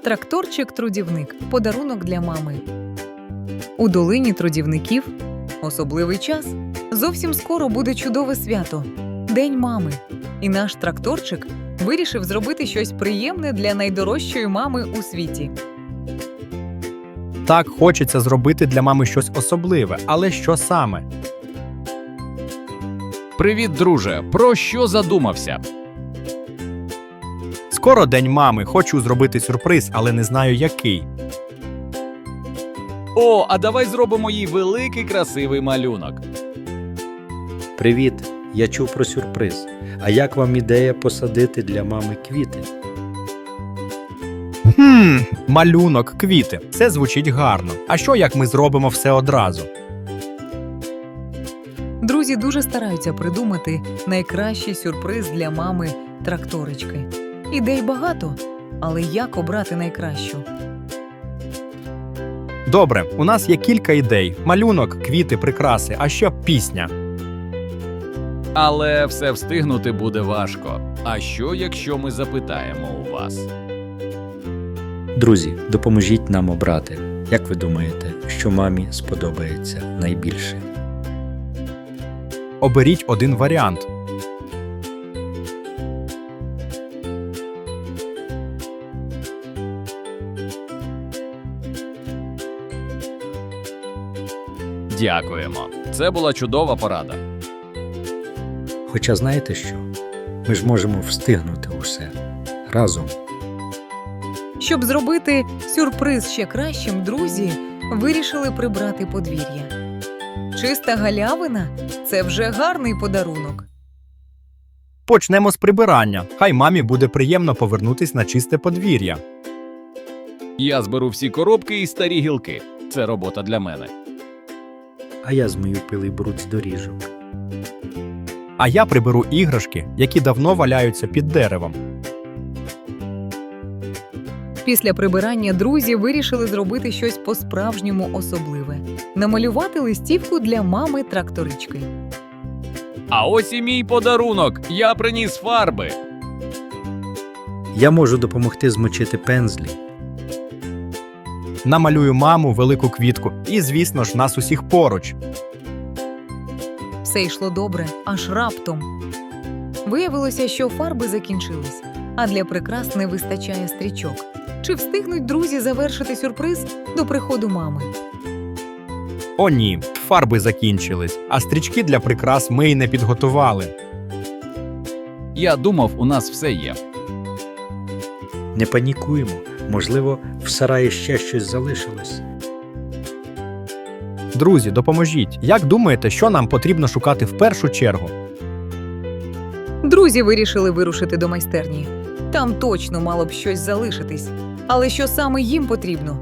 Тракторчик-трудівник – подарунок для мами. У долині трудівників особливий час. Зовсім скоро буде чудове свято – День мами. І наш тракторчик вирішив зробити щось приємне для найдорожчої мами у світі. Так, хочеться зробити для мами щось особливе, але що саме? Привіт, друже! Про що задумався? Скоро День мами, хочу зробити сюрприз, але не знаю який. О, а давай зробимо їй великий красивий малюнок. Привіт, я чув про сюрприз. А як вам ідея посадити для мами квіти? Малюнок, квіти. Це звучить гарно. А що, як ми зробимо все одразу? Друзі дуже стараються придумати найкращий сюрприз для мами тракторички. Ідей багато, але як обрати найкращу? Добре, у нас є кілька ідей. Малюнок, квіти, прикраси, а ще пісня. Але все встигнути буде важко. А що, якщо ми запитаємо у вас? Друзі, допоможіть нам обрати. Як ви думаєте, що мамі сподобається найбільше? Оберіть один варіант. Дякуємо. Це була чудова порада. Хоча знаєте що? Ми ж можемо встигнути усе. Разом. Щоб зробити сюрприз ще кращим, друзі вирішили прибрати подвір'я. Чиста галявина – це вже гарний подарунок. Почнемо з прибирання. Хай мамі буде приємно повернутись на чисте подвір'я. Я зберу всі коробки і старі гілки. Це робота для мене. А я змию пилий бруд з доріжок. А я приберу іграшки, які давно валяються під деревом. Після прибирання друзі вирішили зробити щось по-справжньому особливе – намалювати листівку для мами тракторички. А ось і мій подарунок. Я приніс фарби. Я можу допомогти змочити пензлі. Намалюю маму, велику квітку і, звісно ж, нас усіх поруч. Все йшло добре, аж раптом. Виявилося, що фарби закінчились, а для прикрас не вистачає стрічок. Чи встигнуть друзі завершити сюрприз до приходу мами? О ні, фарби закінчились, а стрічки для прикрас ми й не підготували. Я думав, у нас все є. Не панікуємо. Можливо, в сараї ще щось залишилось. Друзі, допоможіть. Як думаєте, що нам потрібно шукати в першу чергу? Друзі вирішили вирушити до майстерні. Там точно мало б щось залишитись. Але що саме їм потрібно?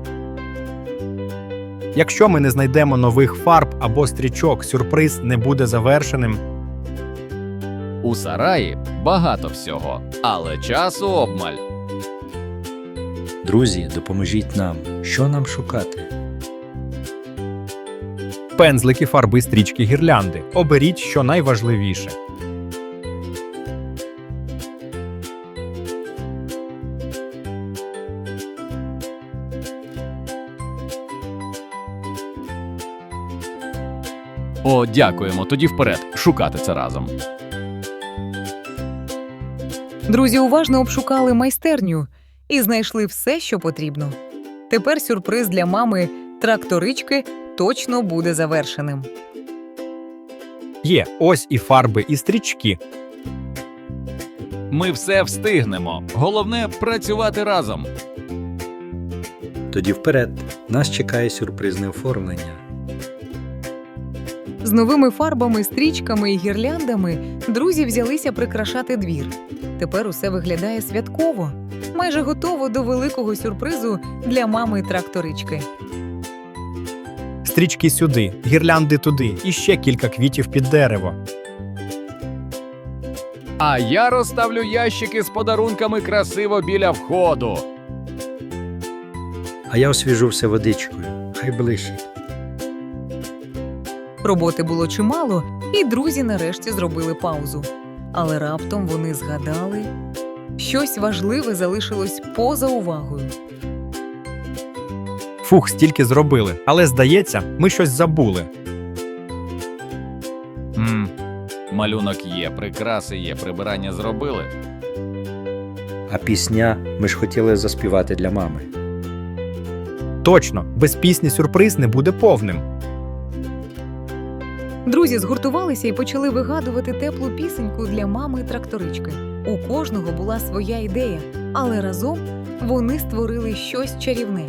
Якщо ми не знайдемо нових фарб або стрічок, сюрприз не буде завершеним. У сараї багато всього, але часу обмаль. Друзі, допоможіть нам. Що нам шукати? Пензлики, фарби, стрічки, гірлянди. Оберіть, що найважливіше. О, дякуємо. Тоді вперед. Шукати це разом. Друзі уважно обшукали майстерню і знайшли все, що потрібно. Тепер сюрприз для мами тракторички точно буде завершеним. Є, ось і фарби, і стрічки. Ми все встигнемо. Головне – працювати разом. Тоді вперед. Нас чекає сюрпризне оформлення. З новими фарбами, стрічками і гірляндами друзі взялися прикрашати двір. Тепер усе виглядає святково. Майже готово до великого сюрпризу для мами тракторички. Стрічки сюди, гірлянди туди і ще кілька квітів під дерево. А я розставлю ящики з подарунками красиво біля входу. А я освіжу все водичкою. Хай блищить. Роботи було чимало, і друзі нарешті зробили паузу. Але раптом вони згадали, щось важливе залишилось поза увагою. Фух, стільки зробили. Але, здається, ми щось забули. Малюнок є, прикраси є, прибирання зробили. А пісня ми ж хотіли заспівати для мами. Точно, без пісні сюрприз не буде повним. Друзі згуртувалися і почали вигадувати теплу пісеньку для мами-тракторички. У кожного була своя ідея, але разом вони створили щось чарівне.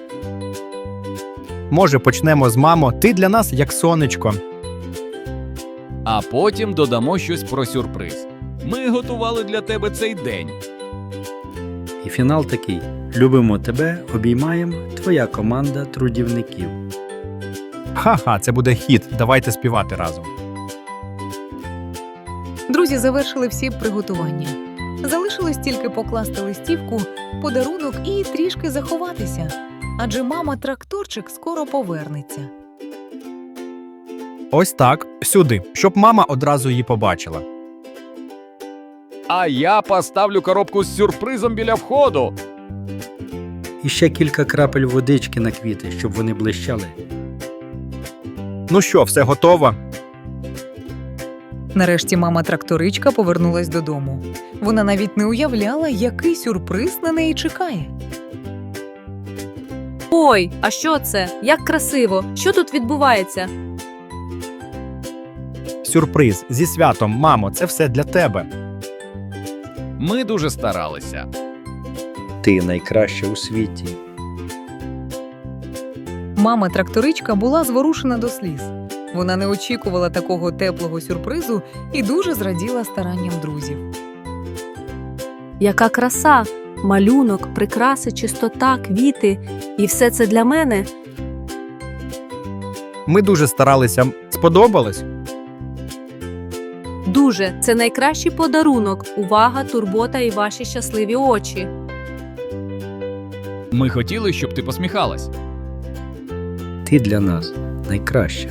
Може, почнемо з мамо, ти для нас як сонечко. А потім додамо щось про сюрприз. Ми готували для тебе цей день. І фінал такий: любимо тебе, обіймаємо, твоя команда трудівників. Ха-ха, це буде хіт, давайте співати разом. Друзі завершили всі приготування. Залишилось тільки покласти листівку, подарунок і трішки заховатися. Адже мама-тракторчик скоро повернеться. Ось так, сюди, щоб мама одразу її побачила. А я поставлю коробку з сюрпризом біля входу. І ще кілька крапель водички на квіти, щоб вони блищали. Ну що, все готово? Нарешті мама-тракторичка повернулась додому. Вона навіть не уявляла, який сюрприз на неї чекає. Ой, а що це? Як красиво! Що тут відбувається? Сюрприз, зі святом, мамо, це все для тебе. Ми дуже старалися. Ти найкраща у світі. Мама-тракторичка була зворушена до сліз. Вона не очікувала такого теплого сюрпризу і дуже зраділа старанням друзів. Яка краса! Малюнок, прикраси, чистота, квіти. І все це для мене? Ми дуже старалися. Сподобалось? Дуже. Це найкращий подарунок. Увага, турбота і ваші щасливі очі. Ми хотіли, щоб ти посміхалась. Ти для нас найкраща.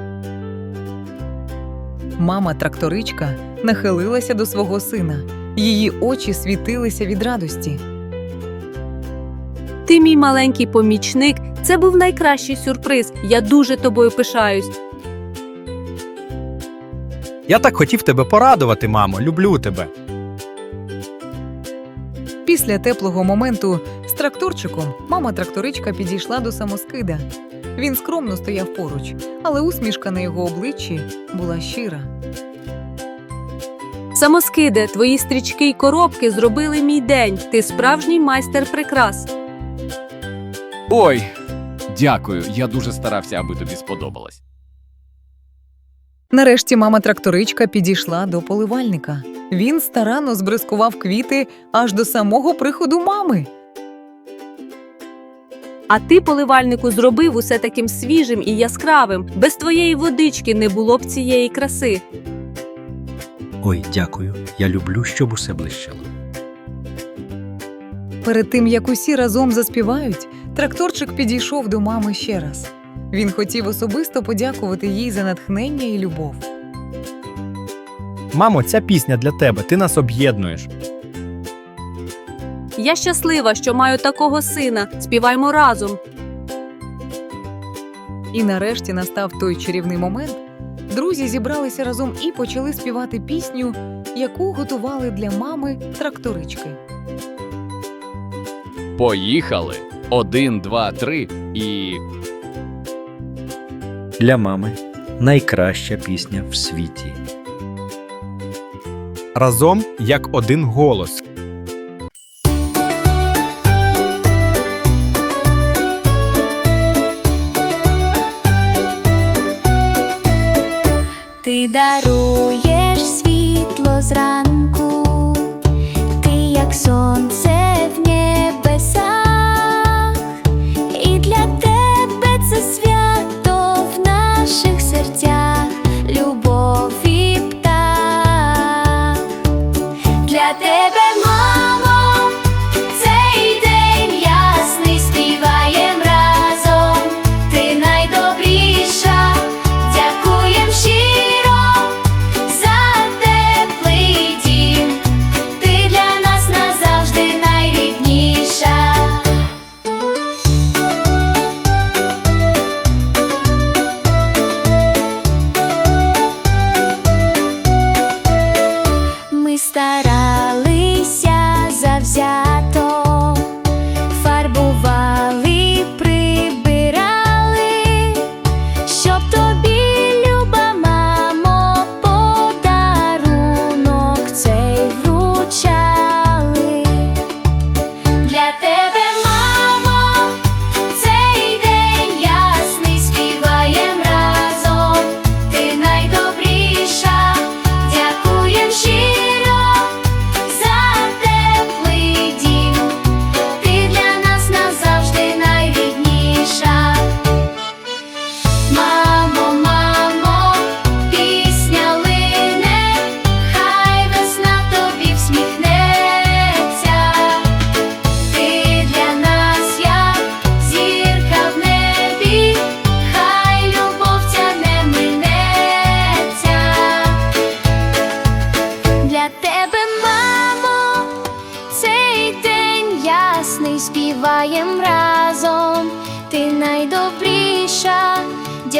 Мама-тракторичка нахилилася до свого сина. Її очі світилися від радості. Ти мій маленький помічник. Це був найкращий сюрприз. Я дуже тобою пишаюсь. Я так хотів тебе порадувати, мамо, люблю тебе. Після теплого моменту з тракторчиком мама-тракторичка підійшла до самоскида. Він скромно стояв поруч, але усмішка на його обличчі була щира. Самоскиде, твої стрічки й коробки зробили мій день. Ти справжній майстер прикрас. Ой, дякую, я дуже старався, аби тобі сподобалось. Нарешті мама-тракторичка підійшла до поливальника. Він старанно збризкував квіти аж до самого приходу мами. А ти, поливальнику, зробив усе таким свіжим і яскравим. Без твоєї водички не було б цієї краси. Ой, дякую. Я люблю, щоб усе блищало. Перед тим, як усі разом заспівають, тракторчик підійшов до мами ще раз. Він хотів особисто подякувати їй за натхнення і любов. Мамо, ця пісня для тебе, ти нас об'єднуєш. Я щаслива, що маю такого сина. Співаймо разом. І нарешті настав той чарівний момент. Друзі зібралися разом і почали співати пісню, яку готували для мами тракторички. Поїхали. 1, 2, 3 і... Для мами найкраща пісня в світі. Разом як один голос. Ти даруєш світло зранку, ти як сонце в небесах, і для тебе це свято в наших серцях, любов і птах. Для тебе, мамо, цей день ясний, співаєм разом, ти найдобріша, дякуєм щиро за теплий дім, ти для нас назавжди найкраща.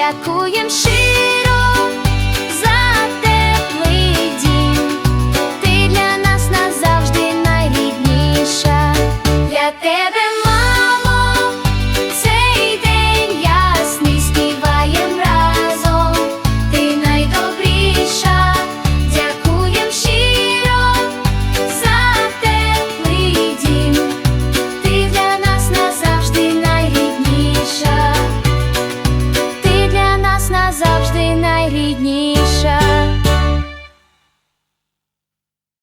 святкуєм щиро.